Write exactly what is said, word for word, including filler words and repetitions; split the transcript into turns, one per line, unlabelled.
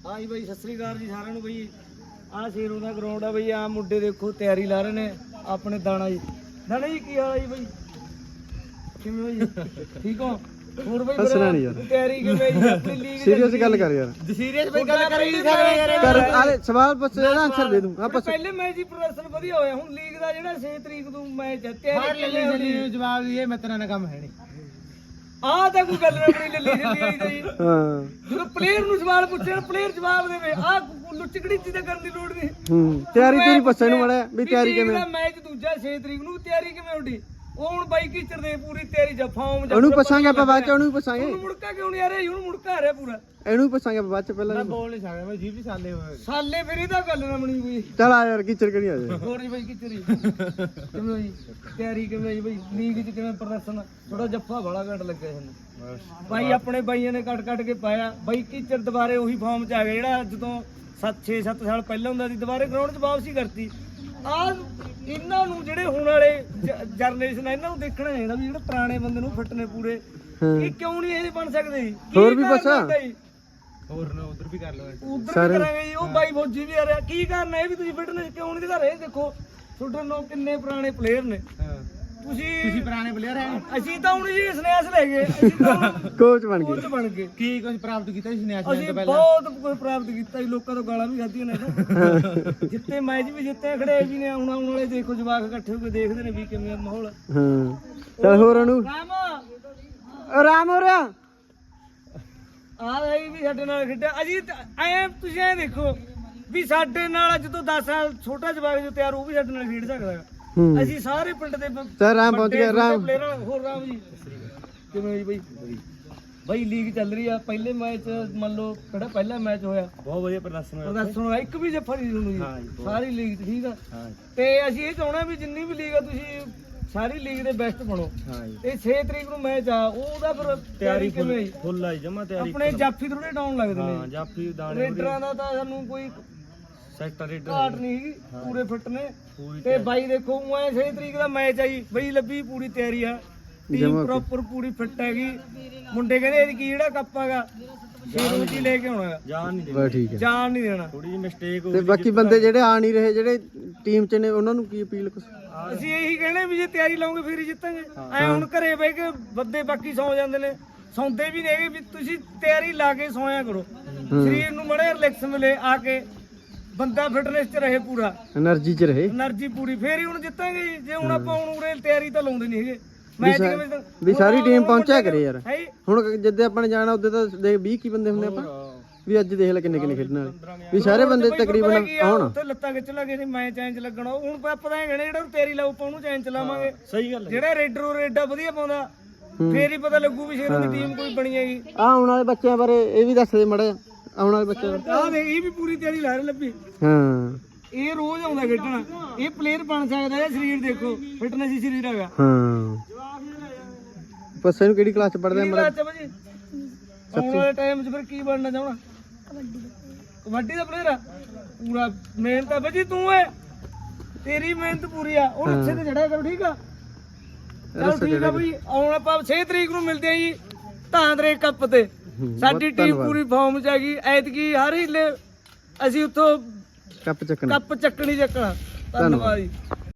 ਹਾਂ ਜੀ ਬਾਈ, ਸਤਿ ਸ੍ਰੀ ਅਕਾਲ ਜੀ ਸਾਰਿਆਂ ਨੂੰ। ਬਈ ਆਹ ਸ਼ੇਰੋਂ ਦਾ ਗਰਾਊਂਡ ਆ ਬਈ। ਆ ਮੁੰਡੇ ਦੇਖੋ ਤਿਆਰੀ ਲਾ ਰਹੇ ਨੇ ਆਪਣੇ। ਦਾਣਾ ਜੀ, ਦਾਣਾ ਜੀ ਕੀ ਹਾਲ ਹੈ ਜੀ ਬਾਈ? ਕਿਵੇਂ ਹੋ ਜੀ? ਠੀਕ ਹੋ? ਹੋਰ ਬਈ
ਹੱਸਣਾ ਨਹੀਂ ਯਾਰ।
ਤਿਆਰੀ ਕਿਵੇਂ ਜੀ ਆਪਣੀ ਲੀਗ?
ਸੀਰੀਅਸ ਗੱਲ ਕਰ ਯਾਰ।
ਸੀਰੀਅਸ ਬਈ ਗੱਲ ਕਰ ਹੀ ਨਹੀਂ ਸਕਦੇ ਯਾਰ।
ਕਰ ਆਲੇ ਸਵਾਲ ਪੁੱਛ ਲੈ, ਆਨਸਰ ਦੇ ਦੂੰ। ਆਪਾਂ
ਪਹਿਲੇ ਮੈਚ ਦੀ ਪ੍ਰਦਰਸ਼ਨ ਵਧੀਆ ਹੋਇਆ। ਹੁਣ ਲੀਗ ਦਾ ਜਿਹੜਾ ਛੇ ਤਰੀਕ ਨੂੰ ਮੈਚ ਹੈ, ਤਿਆਰੀ ਕਿਵੇਂ?
ਜਵਾਬ ਇਹ ਮੈਂ ਤੇਰਾ ਨਾ ਕੰਮ ਹੈ ਨਹੀਂ।
ਆਹ ਤਾਂ ਕੋਈ ਗੱਲ ਨਾ ਬਣੀ ਲੱਲੀ ਜੱਲੀ ਆਈ ਤਾਂ ਜੀ।
ਹਾਂ
ਜਦੋਂ ਪਲੇਅਰ ਨੂੰ ਸਵਾਲ ਪੁੱਛਣ, ਪਲੇਅਰ ਜਵਾਬ ਦੇਵੇ। ਆਹ ਲੁੱਚਕੜੀ ਚੀਜ਼ ਤਾਂ ਕਰਨ ਦੀ ਲੋੜ ਨਹੀਂ।
ਹੂੰ ਤਿਆਰੀ ਤੇਰੀ ਪੁੱਛਣ ਨੂੰ ਮੜਿਆ ਵੀ ਤਿਆਰੀ ਕਿਵੇਂ?
ਮੈਚ ਦੂਜਾ ਛੇ ਤਰੀਕ ਨੂੰ, ਤਿਆਰੀ ਕਿਵੇਂ ਹੁੰਦੀ? ਉਹ ਹੁਣ ਬਾਈ ਕੀਚਰ ਦੇ ਪੂਰੀ ਤਿਆਰੀ ਜਾਂ ਫਾਰਮ ਜਾਂ
ਉਹਨੂੰ ਪੁੱਛਾਂਗੇ ਆਪਾਂ ਬਾਅਦ ਚ। ਉਹਨੂੰ ਵੀ ਪੁੱਛਾਂਗੇ।
ਉਹਨੂੰ ਮੁੜਕਾ ਕਿਉਂ ਨਹੀਂ ਆ ਰਿਹਾ? ਹੁਣ ਮੁੜਕਾ ਆ ਰਿਹਾ ਪੂਰਾ।
ਇਹਨੂੰ ਵੀ ਪੁੱਛਾਂਗੇ ਆਪਾਂ ਬਾਅਦ ਚ। ਪਹਿਲਾਂ
ਮੈਂ ਬੋਲ ਨਹੀਂ ਸਕਦਾ, ਮੈਂ ਜੀ ਵੀ ਸਾਲੇ ਹੋਏ।
ਸਾਲੇ ਫਿਰ ਇਹਦਾ ਗੱਲ ਨਾ ਬਣੀ ਕੋਈ।
ਚੱਲ ਆ ਯਾਰ, ਕੀਚਰ ਕਰੀ ਆ ਜਾ।
ਹੋਰ ਜੀ ਬਾਈ ਕੀਚਰ ਜੀ ਕਿਵੇਂ ਜੀ? ਤਿਆਰੀ ਕਿਵੇਂ ਜੀ ਬਾਈ? ਲੀਗ 'ਚ ਕਿਵੇਂ ਪ੍ਰਦਰਸ਼ਨ? ਥੋੜਾ ਜੱਫਾ ਬੜਾ ਘੱਟ ਲੱਗਿਆ ਸਾਨੂੰ ਬਾਈ। ਆਪਣੇ ਬਾਈਆਂ ਨੇ ਕੱਟ ਕੱਟ ਕੇ ਪਾਇਆ ਬਾਈ। ਕੀਚਰ ਦੁਬਾਰੇ ਉਹੀ ਫਾਰਮ 'ਚ ਆ ਗਿਆ ਜਿਹੜਾ ਜਦੋਂ ਸੱਤ ਛੇ ਸੱਤ ਸਾਲ ਪਹਿਲਾਂ ਹੁੰਦਾ ਸੀ। ਦੁਬਾਰੇ ਗਰਾਊਂਡ 'ਚ ਵਾਪਸੀ ਕਰਤੀ। ਆ ਇਹਨਾਂ ਨੂੰ ਜਿਹੜੇ ਹੁਣ ਵਾਲੇ ਜਨਰੇਸ਼ਨ ਆ, ਇਹਨਾਂ ਨੂੰ ਦੇਖਣਾ ਚਾਹੀਦਾ ਵੀ ਜਿਹੜੇ ਪੁਰਾਣੇ ਬੰਦੇ ਨੂੰ ਫਿੱਟ ਨੇ ਪੂਰੇ, ਇਹ ਕਿਉਂ ਨਹੀਂ ਇਹ ਬਣ ਸਕਦੇ ਜੀ?
ਹੋਰ ਵੀ ਪੁੱਛਾ।
ਹੋਰ ਨਾ ਉਧਰ ਵੀ ਕਰ ਲਓ।
ਉਧਰ ਵੀ ਕਰਾਂਗੇ ਜੀ। ਉਹ ਬਾਈ ਫੌਜੀ ਵੀ ਆ ਰਿਹਾ। ਕੀ ਕਰਨਾ ਇਹ ਵੀ? ਤੁਸੀਂ ਫਿਟਨੈਸ ਕਿਉਂ ਨਹੀਂ ਦਿਖਾ ਰਹੇ? ਦੇਖੋ ਤੁਹਾਡੇ ਨਾਲ ਕਿੰਨੇ ਪੁਰਾਣੇ ਪਲੇਅਰ ਨੇ। ਤੁਸੀਂ
ਤੁਸੀਂ ਪੁਰਾਣੇ ਪਲੇਅਰ ਹੈ।
ਅਸੀਂ ਤਾਂ ਹੁਣ ਜੀ ਸਨੈਸ ਲੈ ਗਏ। ਅਸੀਂ ਤਾਂ
ਕੋਚ ਬਣ
ਕੋਚ
ਗਏ।
ਬਣ ਗਏ।
ਕੀ ਕੁਝ ਪ੍ਰਾਪਤ ਕੀਤਾ ਸੀ ਨਿਆਸ
ਅਸੀਂ
ਤੋਂ ਪਹਿਲਾਂ?
ਬਹੁਤ ਕੁਝ ਪ੍ਰਾਪਤ ਕੀਤਾ ਜੀ। ਲੋਕਾਂ ਤੋਂ ਗਾਲਾਂ ਵੀ ਖਾਧੀਆਂ ਨੇ। ਜਿੱਤੇ ਮੈਚ ਵੀ ਜਿੱਤੇ, ਖੜੇ ਵੀ ਨੇ। ਹੁਣ ਆਉਣ ਵਾਲੇ ਦੇਖੋ ਜਵਾਕ ਇਕੱਠੇ ਹੋ ਕੇ ਦੇਖਦੇ ਨੇ ਵੀ ਕਿਵੇਂ ਮਾਹੌਲ।
ਹਾਂ ਚੱਲ ਹੋਰ ਉਹਨੂੰ
ਰਾਮ
ਆਰਾਮ ਹੋ ਰਿਹਾ।
ਆ ਰਹੀ ਵੀ ਸਾਡੇ ਨਾਲ ਖੇਡਿਆ। ਅਸੀਂ ਐ ਤੁਸੀਂ ਐ ਦੇਖੋ ਵੀ ਸਾਡੇ ਨਾਲ ਜਦੋਂ ਦਸ ਸਾਲ ਛੋਟਾ ਜਵਾਕ ਜੋ ਤਿਆਰ, ਉਹ ਵੀ ਸਾਡੇ ਨਾਲ ਖੇਡ ਸਕਦਾ ਹੈ।
ਹੂੰ
ਅਸੀਂ ਸਾਰੇ ਪਿੰਡ ਦੇ ਬ-
ਚੱਲ ਰਾਮ ਪਹੁੰਚ ਗਿਆ।
ਵੱਡੇ
ਰਾਮ
ਪਲੇਅਰਾਂ। ਹੋਰ ਰਾਮ ਜੀ ਕਿਵੇਂ ਜੀ ਬਾਈ? ਬਾਈ ਲੀਗ ਚੱਲ ਰਹੀ ਆ। ਪਹਿਲੇ ਮੈਚ ਮੰਨ ਲਓ ਕਿਹੜਾ ਪਹਿਲਾ ਮੈਚ ਹੋਇਆ,
ਬਹੁਤ ਵਧੀਆ ਪ੍ਰਦਰਸ਼ਨ ਹੋਇਆ।
ਪ੍ਰਦਰਸ਼ਨ ਹੋਇਆ। ਇੱਕ ਵੀ ਜੱਫਾ ਨਹੀਂ ਤੁਹਾਨੂੰ ਜੀ ਸਾਰੀ ਲੀਗ 'ਚ। ਠੀਕ ਆ।
ਹਾਂ
ਤੇ ਅਸੀਂ ਇਹ ਚਾਹੁੰਦੇ ਵੀ ਜਿੰਨੀ ਵੀ ਲੀਗ ਆ ਤੁਸੀਂ ਸਾਰੀ ਲੀਗ ਦੇ ਬੈਸਟ ਬਣੋ।
ਹਾਂ ਜੀ।
ਇਹ ਛੇ ਤਰੀਕ ਨੂੰ ਮੈਚ ਆ, ਉਹਦਾ ਫਿਰ ਤਿਆਰੀ ਕਿਵੇਂ ਜੀ?
ਫੁੱਲ ਆਈ ਜਮਾ ਤਿਆਰੀ।
ਆਪਣੇ ਜਾਫੀ ਥੋੜੇ ਡਾਊਨ ਲੱਗਦੇ
ਹਾਂ
ਨੇ।
ਜਾਫੀ ਦਾਣੇ
ਰੇਡਰਾਂ ਦਾ ਤਾਂ ਸਾਨੂੰ ਕੋਈ
ਸੈਕਟਰ ਰੇਡਰ
ਘਾਟ ਨਹੀਂ ਹੈਗੀ, ਪੂਰੇ ਫਿੱਟ ਨੇ।
ਪੂਰੀ
ਤੇ ਬਾਈ ਦੇਖੋ ਮੈਂ ਛੇ ਤਰੀਕ ਦਾ ਮੈਚ ਆ ਜੀ। ਬਈ ਲੱਭੀ ਪੂਰੀ ਤਿਆਰੀ ਆ। ਟੀਮ ਪ੍ਰੋਪਰ ਪੂਰੀ ਫਿੱਟ ਹੈਗੀ। ਮੁੰਡੇ ਕਹਿੰਦੇ ਇਹ ਕੀ ਜਿਹੜਾ ਕੱਪ ਹੈਗਾ ਸ਼ੇਰੂ ਚ ਹੀ ਲੈ ਕੇ ਆਉਣਾ,
ਜਾਨ ਨਹੀਂ
ਬਸ ਠੀਕ ਹੈ।
ਜਾਣ ਨਹੀਂ ਦੇਣਾ।
ਥੋੜੀ ਜਿਹੀ ਮਿਸਟੇਕ ਹੋ
ਤੇ ਬਾਕੀ ਬੰਦੇ ਜਿਹੜੇ ਆ ਨਹੀਂ ਰਹੇ, ਜਿਹੜੇ ਟੀਮ ਚ ਨੇ, ਉਹਨਾਂ ਨੂੰ ਕੀ ਅਪੀਲ? ਕੁਛ
ਅਸੀਂ ਇਹੀ ਕਹਿੰਦੇ ਵੀ ਜੇ ਤਿਆਰੀ ਲਾਉਂਗੇ ਫਿਰ ਹੀ ਜਿੱਤਾਂਗੇ। ਐ ਹੁਣ ਘਰੇ ਬਹਿ ਕੇ ਬੰਦੇ ਬਾਕੀ ਸੌ ਜਾਂਦੇ ਨੇ, ਸੌਂਦੇ ਵੀ ਨੇਗੇ। ਵੀ ਤੁਸੀਂ ਤਿਆਰੀ ਲਾ ਕੇ ਸੌਂਇਆ ਕਰੋ। ਸਰੀਰ ਨੂੰ ਮੜੇ ਰਿਲੈਕਸ ਮਿਲੇ, ਆ ਕੇ ਬੰਦਾ ਫਿਟਨੈਸ 'ਚ ਰਹੇ, ਪੂਰਾ
એનર્ਜੀ ਚ ਰਹੇ,
એનર્ਜੀ ਪੂਰੀ, ਫੇਰ ਹੀ ਹੁਣ ਜਿੱਤਾਂਗੇ ਜੀ। ਜੇ ਹੁਣ ਆਪਾਂ ਹੁਣ ਉਰੇ ਤਿਆਰੀ ਤਾਂ ਲਾਉਂਦੇ ਨਹੀਂ ਹੈਗੇ ਮੈਚ ਕਿਵੇਂ ਤਾਂ-
ਵੀ ਸਾਰੀ ਟੀਮ ਪਹੁੰਚਿਆ ਕਰੇ ਯਾਰ।
ਹੈ ਜੀ।
ਹੁਣ ਜਿੱਦੇ ਆਪਾਂ ਨੇ ਜਾਣਾ ਉਹਦੇ ਤਾਂ ਦੇਖ ਵੀਹ ਕੀ ਬੰਦੇ ਹੁੰਦੇ ਆਪਾਂ, ਵੀ ਅੱਜ ਦੇਖ ਲੈ ਕਿੰਨੇ ਕਿੰਨੇ ਖੇਡਣ ਵਾਲੇ, ਵੀ ਸਾਰੇ ਬੰਦੇ ਤਕਰੀਬਨ ਆਉਣ।
ਉੱਥੇ ਲੱਤਾਂ ਖਿੱਚ ਲਾਂਗੇ ਜੀ, ਮੈਂ ਚੈਂਜ ਲੱਗਣਾ। ਹੁਣ ਆਪਾਂ ਤਾਂ ਇਹ ਕਹਿੰਦੇ ਜਿਹੜਾ ਤਿਆਰੀ ਲਾਉ ਆਪਾਂ ਉਹਨੂੰ ਚੈਂਜ ਚਲਾਵਾਂਗੇ।
ਸਹੀ ਗੱਲ ਹੈ।
ਜਿਹੜਾ ਰੇਡਰ ਉਹ ਰੇਡਾ ਵਧੀਆ ਪਾਉਂਦਾ, ਫੇਰ ਹੀ ਪਤਾ ਲੱਗੂ ਵੀ ਸ਼ੇਰਾਂ ਦੀ ਟੀਮ ਕੋਈ ਬਣੀ ਹੈਗੀ।
ਆ ਆਉਣ ਵਾਲੇ ਬੱਚਿਆਂ ਬਾਰੇ ਇਹ ਵੀ ਦੱਸ ਦੇ ਮੜਾ। ਆਉਣ ਵਾਲੇ ਬੱਚਿਆਂ ਬਾਰੇ
ਆਹ ਦੇਖ, ਇਹ ਵੀ ਪੂਰੀ ਤਿਆਰੀ ਲਾ ਰਹੇ ਲੱਭੀ।
ਹਾਂ
ਇਹ ਰੋਜ਼ ਆਉਂਦਾ ਖੇਡਣਾ। ਇਹ ਪਲੇਅਰ ਬਣ ਸਕਦਾ ਹੈ। ਸਰੀਰ ਦੇਖੋ, ਫਿਟਨੈਸ ਹੀ ਸਰੀਰ ਹੈਗਾ।
ਹਾਂ ਪੱਸੇ ਨੂੰ ਕਿਹੜੀ ਕਲਾਸ ਚ ਪੜਦੇ
ਕੀ ਬਾਤ ਹੈ ਭਾਜੀ? ਆਉਣ ਵਾਲੇ ਟਾਈਮ 'ਚ ਫਿਰ ਕੀ ਬਣਨਾ ਚਾਹਣਾ? ਕਬੱਡੀ ਦਾ ਪਲੇਅਰ ਆ ਪੂਰਾ। ਮਿਹਨਤ ਆ ਭਾਜੀ, ਤੂੰ ਏ ਤੇਰੀ ਮਿਹਨਤ ਪੂਰੀ ਆ। ਉਹ ਰੱਸੇ ਤੇ ਚੜਿਆ ਕਰੋ, ਠੀਕ ਆ? ਚਲ ਠੀਕ ਆ ਭਾਈ। ਆਉਣ ਆਪਾਂ ਛੇ ਤਰੀਕ ਨੂੰ ਮਿਲਦੇ ਆ ਜੀ ਧਾਂਦਰੇ ਕੱਪ ਤੇ। ਸਾਡੀ ਟੀਮ ਪੂਰੀ ਫਾਰਮ 'ਚ ਹੈਗੀ। ਐਤਕੀ ਹਰ ਹੀਲੇ ਅਸੀਂ ਉੱਥੋਂ
ਕੱਪ ਚੱਕਣਾ।
ਕੱਪ ਚੱਕਣੀ ਚੱਕਣਾ। ਧੰਨਵਾਦ ਜੀ।